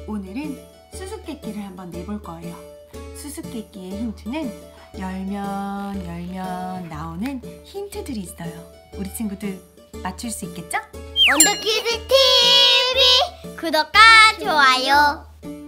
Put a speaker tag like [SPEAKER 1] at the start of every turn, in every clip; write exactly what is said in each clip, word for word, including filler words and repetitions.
[SPEAKER 1] 오늘은 수수께끼를 한번 내볼 거예요. 수수께끼의 힌트는 열면 열면 나오는 힌트들이 있어요. 우리 친구들 맞출 수 있겠죠?
[SPEAKER 2] 원더키즈 티비 구독과 좋아요.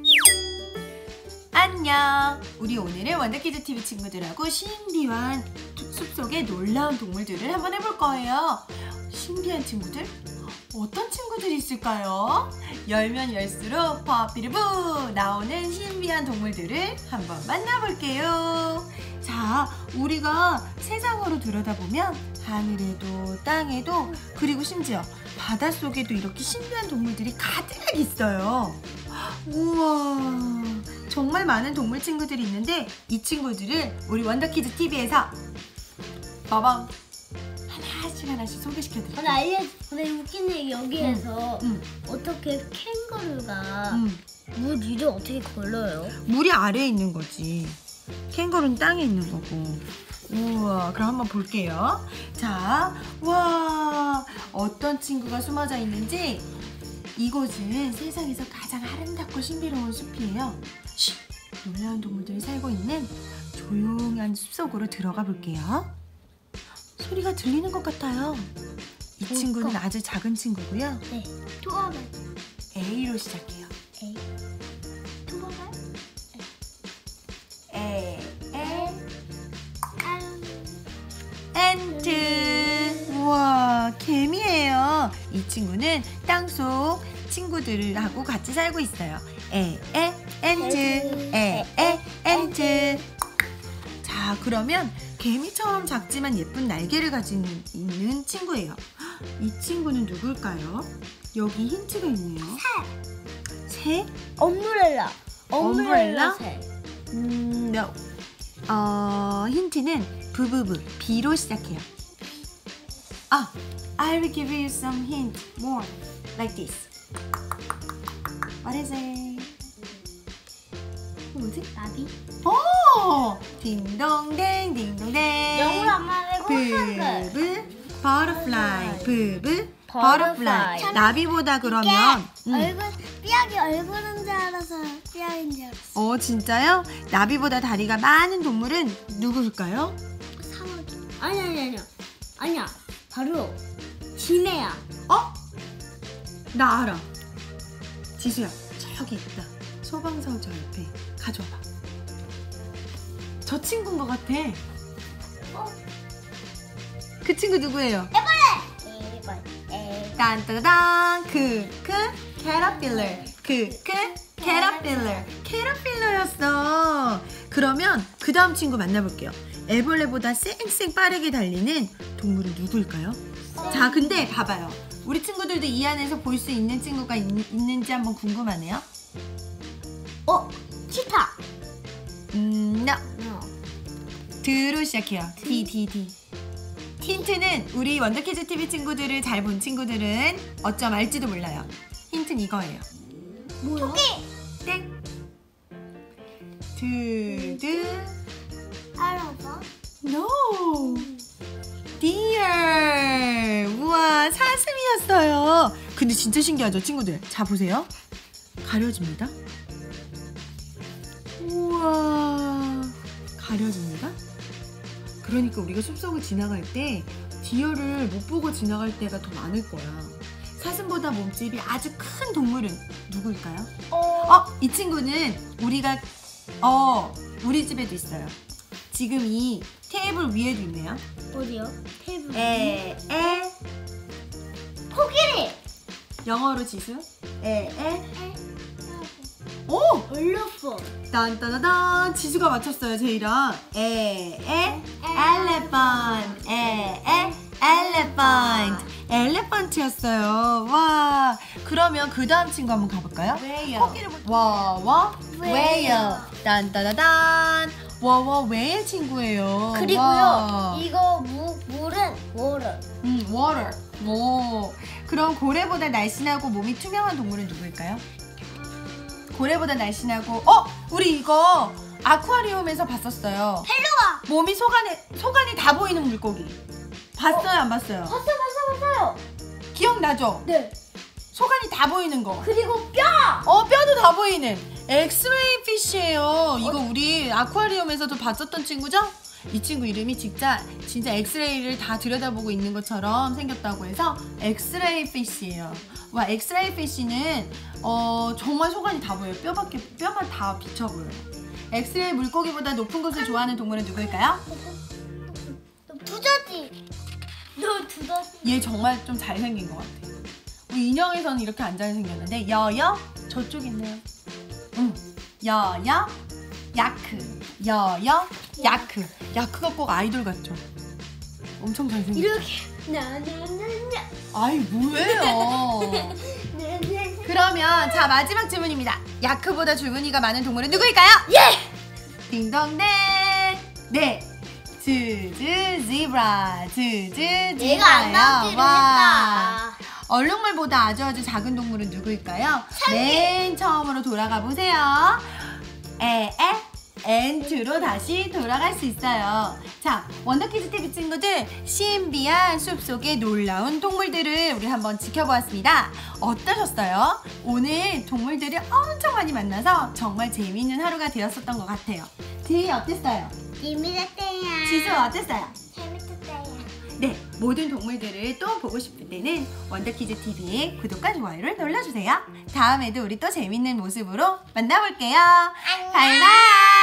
[SPEAKER 1] 안녕! 우리 오늘은 원더키즈 티비 친구들하고 신비한 숲속의 놀라운 동물들을 한번 해볼 거예요. 신비한 친구들? 어떤 친구들이 있을까요? 열면 열수록 퍼피르부 나오는 신비한 동물들을 한번 만나볼게요. 자, 우리가 세상으로 들여다보면 하늘에도 땅에도 그리고 심지어 바닷속에도 이렇게 신비한 동물들이 가득 있어요. 우와, 정말 많은 동물 친구들이 있는데 이 친구들을 우리 원더키즈 티비에서 빠밤 하나씩 하나씩 소개시켜드릴게요.
[SPEAKER 2] 근데 알려, 근데 웃긴 얘기 여기에서
[SPEAKER 1] 응,
[SPEAKER 2] 어떻게 캥거루가
[SPEAKER 1] 응.
[SPEAKER 2] 물 위를 어떻게 걸러요?
[SPEAKER 1] 물이 아래에 있는 거지. 캥거루는 땅에 있는 거고. 우와, 그럼 한번 볼게요. 자, 와, 어떤 친구가 숨어져 있는지. 이곳은 세상에서 가장 아름답고 신비로운 숲이에요. 쉿, 놀라운 동물들이 살고 있는 조용한 숲속으로 들어가 볼게요. 소리가 들리는 것 같아요. 이
[SPEAKER 2] 뭘까?
[SPEAKER 1] 친구는 아주 작은 친구고요.
[SPEAKER 2] 네. 토마발.
[SPEAKER 1] A로 시작해요.
[SPEAKER 2] 에이. 토마발.
[SPEAKER 1] 에, 에,
[SPEAKER 2] 아.
[SPEAKER 1] 엔트. 우와, 개미예요. 이 친구는 땅속 친구들하고 같이 살고 있어요. 에, 에, 엔트. 에, 에, 엔트. 자, 그러면 개미처럼 작지만 예쁜 날개를 가진 있는 친구예요. 이 친구는 누굴까요? 여기 힌트가 있네요. 새?
[SPEAKER 2] 엄브렐라.
[SPEAKER 1] 엄브렐라?
[SPEAKER 2] 새.
[SPEAKER 1] 음, no. 어, 힌트는 부부부, B로 시작해요. 아, I will give you some hint more like this. What is it? 뭐지?
[SPEAKER 2] 나비.
[SPEAKER 1] 오! 딩동댕, 딩동댕.
[SPEAKER 2] 영어로 안 말하고 한글.
[SPEAKER 1] 부부, butterfly, 부부,
[SPEAKER 2] Butterfly.
[SPEAKER 1] butterfly. 나비보다 그러면 음.
[SPEAKER 2] 얼굴, 삐약이 얼굴인 줄 알아서 삐약인 줄 알았어.
[SPEAKER 1] 어, 진짜요? 나비보다 다리가 많은 동물은 누구일까요?
[SPEAKER 2] 사마귀. 아니 아니 아니야. 아니야. 바로 지네야.
[SPEAKER 1] 어? 나 알아. 지수야, 저기 있다. 소방서 저 옆에 가져와봐. 저 친구인 것 같아.
[SPEAKER 2] 어?
[SPEAKER 1] 그 친구 누구예요?
[SPEAKER 2] 애벌레. 애벌. 애.
[SPEAKER 1] 딴따단 크크 캐터필러. 크크 캐터필러. 캐터필러였어. 그러면 그 다음 친구 만나볼게요. 애벌레보다 쌩쌩 빠르게 달리는 동물은 누구일까요? 자, 근데 봐봐요. 우리 친구들도 이 안에서 볼 수 있는 친구가 있, 있는지 한번 궁금하네요.
[SPEAKER 2] 어? 치타.
[SPEAKER 1] 음, no.
[SPEAKER 2] 어.
[SPEAKER 1] 드로 시작해요. D, D, D. 힌트는 우리 원더키즈 티비 친구들을 잘 본 친구들은 어쩜 알지도 몰라요. 힌트는 이거예요.
[SPEAKER 2] 뭐야? 토끼.
[SPEAKER 1] 땡. 드, 드.
[SPEAKER 2] 알아봐.
[SPEAKER 1] No. Deer. 우와, 사슴이었어요. 근데 진짜 신기하죠, 친구들? 자, 보세요. 가려집니다. 우와, 가려집니다. 그러니까 우리가 숲속을 지나갈 때 디어를 못 보고 지나갈 때가 더 많을 거야. 사슴보다 몸집이 아주 큰 동물은 누구일까요?
[SPEAKER 2] 어.
[SPEAKER 1] 어, 이 친구는 우리가 어 우리 집에도 있어요. 지금 이 테이블 위에도 있네요.
[SPEAKER 2] 어디요? 테이블.
[SPEAKER 1] 에, 에.
[SPEAKER 2] 코끼리.
[SPEAKER 1] 영어로 지수. 에, 에.
[SPEAKER 2] 에.
[SPEAKER 1] 오!
[SPEAKER 2] 올로폰.
[SPEAKER 1] 딴따다단. 지수가 맞췄어요, 제이랑. 에, 에. 엘레펀트. 에, 에. 엘레펀트. 엘레펀트였어요. 와. 그러면 그 다음 친구 한번 가볼까요?
[SPEAKER 2] 웨일.
[SPEAKER 1] 코끼리 와, 와. 웨일. 딴따다단. 와, 와, 웨일 친구예요.
[SPEAKER 2] 그리고요.
[SPEAKER 1] 와.
[SPEAKER 2] 이거 무, 물은 워터.
[SPEAKER 1] 음, water. 오. 그럼 고래보다 날씬하고 몸이 투명한 동물은 누구일까요? 고래보다 날씬하고, 어? 우리 이거 아쿠아리움에서 봤었어요.
[SPEAKER 2] 헬로가.
[SPEAKER 1] 몸이 속안에, 속안이 다 보이는 물고기. 봤어요, 안 봤어요?
[SPEAKER 2] 봤어 봤어 봤어요.
[SPEAKER 1] 기억나죠?
[SPEAKER 2] 네.
[SPEAKER 1] 속안이 다 보이는 거.
[SPEAKER 2] 그리고 뼈.
[SPEAKER 1] 어, 뼈도 다 보이는 보이는 엑스레이 피쉬예요. 이거 우리 아쿠아리움에서도 봤었던 친구죠? 이 친구 이름이 진짜 진짜 엑스레이를 다 들여다보고 있는 것처럼 생겼다고 해서 엑스레이 피쉬예요. 와, 엑스레이 피쉬는 어, 정말 소관이 다 보여요. 뼈밖에 뼈만 다 비쳐 보여요. 엑스레이 물고기보다 높은 곳을 좋아하는 동물은 누구일까요?
[SPEAKER 2] 두더지. 너 두더지.
[SPEAKER 1] 얘 정말 좀 잘생긴 것 같아. 우리 인형에서는 이렇게 안 잘생겼는데 여여 저쪽 있네요. 응. 여여 야크. 여여 야크. 야크가 꼭 아이돌 같죠? 엄청 잘생겼죠?
[SPEAKER 2] 이렇게 나나나나.
[SPEAKER 1] 아이 뭐예요? 그러면 자 마지막 질문입니다. 야크보다 줄무늬가 많은 동물은 누구일까요?
[SPEAKER 2] 예!
[SPEAKER 1] 딩동댕. 네. 즈즈 지브라. 즈즈
[SPEAKER 2] 내가 안
[SPEAKER 1] 지브라요.
[SPEAKER 2] 나오기로 했다.
[SPEAKER 1] 얼룩말보다 아주 아주 작은 동물은 누구일까요? 맨 처음으로 돌아가 보세요. 에에 엔트로 다시 돌아갈 수 있어요. 자, 원더키즈 티비 친구들, 신비한 숲속의 놀라운 동물들을 우리 한번 지켜보았습니다. 어떠셨어요? 오늘 동물들을 엄청 많이 만나서 정말 재미있는 하루가 되었었던 것 같아요. 지희 어땠어요?
[SPEAKER 2] 재밌었대요.
[SPEAKER 1] 지수 어땠어요?
[SPEAKER 2] 재밌었대요.
[SPEAKER 1] 네, 모든 동물들을 또 보고 싶을 때는 원더키즈 티비의 구독과 좋아요를 눌러주세요. 다음에도 우리 또 재밌는 모습으로 만나볼게요.
[SPEAKER 2] 안녕.
[SPEAKER 1] 바이바이.